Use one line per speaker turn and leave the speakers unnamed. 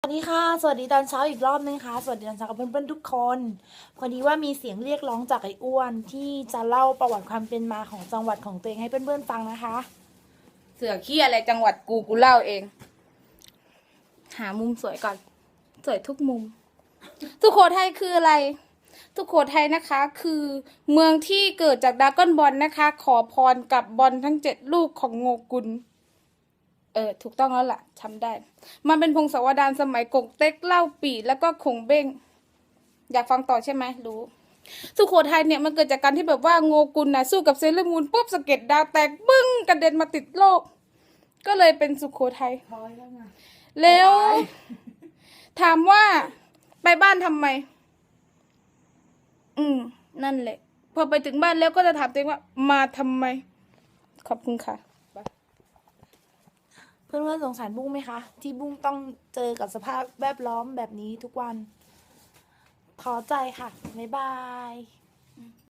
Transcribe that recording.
ดีค่ะสวัสดีตอนเช้าอีกรอบนึงค่ะสวัสดีตอนเช้ากับเพื่อนๆทุกคนพอดีว่ามีเสียงเรียกร้องจากไอ้อ้วนที่จะเล่าประวัติความเป็นมาของจังหวัดของตัวเองให้เพื่อนๆฟังนะคะ
เสือขี้อะไรจังหวัดกูเล่าเอง หามุมสวยก่อน สวยทุกมุม สุโขทัยคืออะไร สุโขทัยนะคะ คือเมืองที่เกิดจากดราก้อนบอลนะคะ ขอพรกับบอลทั้ง7 ลูกของโงกุลถูกต้องแล้วล่ะทำได้ มันเป็นพงศาวดารสมัยกงเต็กเล่าปี่แล้วก็คงเบ้ง อยากฟังต่อใช่ไหมรู้ สุโขทัยเนี่ยมันเกิดจากการที่แบบว่าโงกุลนะสู้กับเซเลอร์มูนปุ๊บสะเก็ดดาวแตกบึ้งกระเด็นมาติดโลก ก็เลยเป็นสุโขทัยแล้วถามว่าไปบ้านทำไม นั่นแหละ พอไปถึงบ้านแล้วก็จะถามตัวเองว่ามาทำไม ขอบคุณค่ะ
เพื่อนๆสงสารบุ้งไหมคะที่บุ้งต้องเจอกับสภาพแวดล้อมแบบนี้ทุกวันท้อใจค่ะบ๊ายบาย